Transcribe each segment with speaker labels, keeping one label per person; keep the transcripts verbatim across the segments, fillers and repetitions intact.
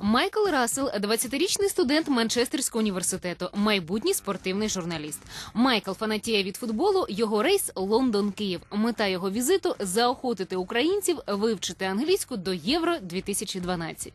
Speaker 1: Майкл Рассел – двадцятирічний студент Манчестерського університету, майбутній спортивний журналіст. Майкл фанатіє від футболу, його рейс – Лондон-Київ. Мета його візиту – заохотити українців вивчити англійську до Євро дві тисячі дванадцять.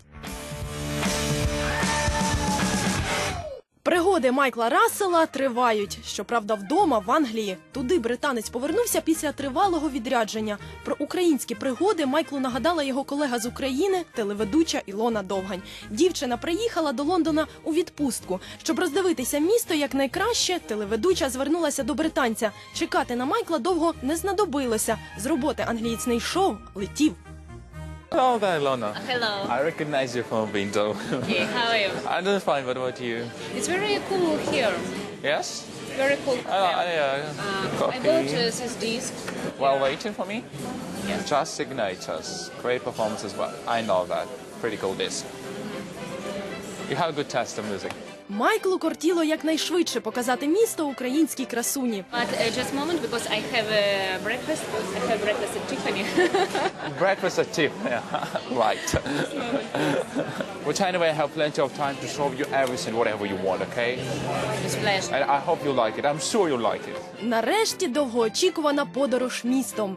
Speaker 2: Пригоди Майкла Рассела тривають. Щоправда, вдома, в Англії. Туди британець повернувся після тривалого відрядження. Про українські пригоди Майклу нагадала його колега з України, телеведуча Ілона Довгань. Дівчина приїхала до Лондона у відпустку. Щоб роздивитися місто якнайкраще, телеведуча звернулася до британця. Чекати на Майкла довго не знадобилося. З роботи англієць не йшов, летів.
Speaker 3: Hello there, Lona.
Speaker 4: Hello.
Speaker 3: I recognize you from Window.
Speaker 4: Okay, how are you?
Speaker 3: I'm doing fine, what about you?
Speaker 4: It's very cool here.
Speaker 3: Yes?
Speaker 4: Very cool.
Speaker 3: I, I, uh,
Speaker 4: Uh, I
Speaker 3: copy.
Speaker 4: bought uh, this disc.
Speaker 3: While waiting for me?
Speaker 4: Yeah.
Speaker 3: Just Signatures. Great performance as well. I know that. Pretty cool disc. You have a good taste of music.
Speaker 2: Майклу кортіло якнайшвидше показати місто українській красуні.
Speaker 4: But uh, just a moment, because I have uh, breakfast. I have breakfast at Tiffany.
Speaker 3: Breakfast at tip. Yeah. Right. Which anyway, I have plenty of time to show you everything, whatever you want, okay?
Speaker 4: It's pleasure.
Speaker 3: And I hope you like it. I'm sure you like it.
Speaker 2: Нарешті довгоочікувана подорож містом.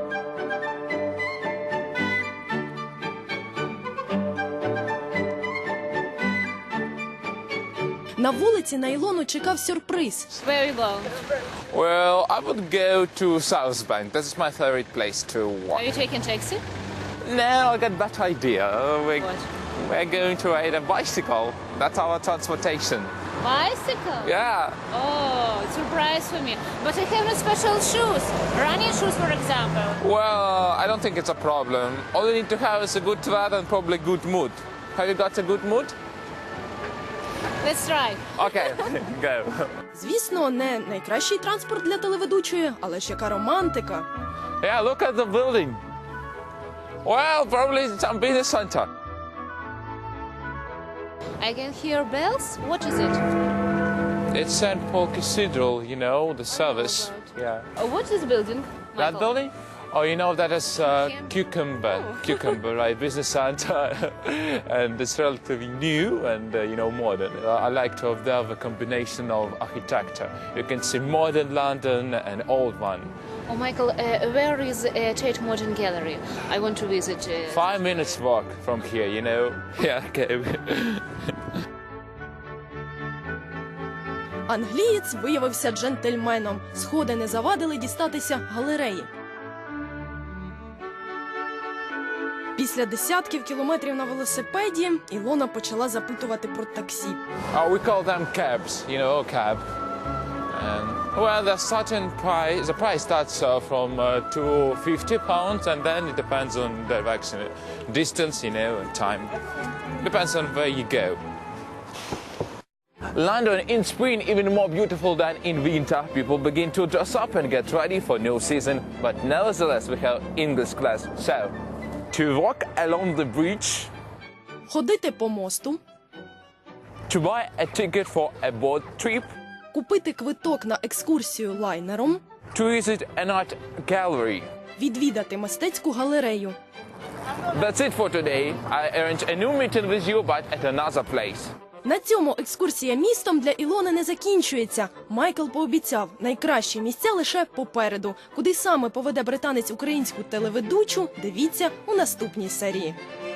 Speaker 2: На вулиці на Ілону чекав сюрприз.
Speaker 4: Where are you going?
Speaker 3: Well, I would go to South Bank. This is my favorite place to
Speaker 4: Are
Speaker 3: walk.
Speaker 4: you taking taxi?
Speaker 3: No, I got that idea. We're,
Speaker 4: What?
Speaker 3: we're going to ride a bicycle. That's our transportation.
Speaker 4: Bicycle?
Speaker 3: Yeah.
Speaker 4: Oh, it's a surprise for me. But I have no special shoes. Running shoes, for example.
Speaker 3: Well, I don't think it's a problem. All you need to have is a good weather and probably good mood. Have you got a good mood?
Speaker 4: Let's try.
Speaker 3: Okay, go.
Speaker 2: Звісно, не найкращий транспорт для телеведучої, але ж яка романтика.
Speaker 3: Yeah, look at the building. Well, probably some business center.
Speaker 4: I can hear bells. What is it?
Speaker 3: It's Saint Paul Cathedral, you know, the service. Yeah.
Speaker 4: Uh, what is the building?
Speaker 3: That
Speaker 4: Michael?
Speaker 3: building? Oh, you know, that is uh,
Speaker 4: Cam-
Speaker 3: Cucumber,
Speaker 4: Oh.
Speaker 3: Cucumber, right? Business center, and it's relatively new and uh, you know modern. Uh, I like to observe a combination of architecture. You can see modern London and old one.
Speaker 4: Oh, Michael, uh, where is uh, Tate Modern Gallery? I want to visit. Uh,
Speaker 3: Five minutes walk from here, you know. Yeah, okay.
Speaker 2: Англієць виявився джентльменом. Сходи не завадили дістатися галереї. Після десятків кілометрів на велосипеді Ілона почала запитувати про таксі.
Speaker 3: Uh, we call them cabs, you know, cab. And well, the certain price, the price starts uh, from uh, two fifty pounds, and then it depends on direction, distance, you know, and time. Depends on where you go. London in spring even more beautiful than in winter. People begin to dress up and get ready for new season, but nevertheless we have English class. So, to walk along the bridge,
Speaker 2: Ходити по мосту,
Speaker 3: to buy a ticket for a boat trip,
Speaker 2: купити квиток на екскурсію лайнером,
Speaker 3: to visit an art gallery.
Speaker 2: відвідати мистецьку галерею.
Speaker 3: That's it for today. I arrange a new meeting with you, but at another place.
Speaker 2: На цьому екскурсія містом для Ілони не закінчується. Майкл пообіцяв, найкращі місця лише попереду. Куди саме поведе британець українську телеведучу, дивіться у наступній серії.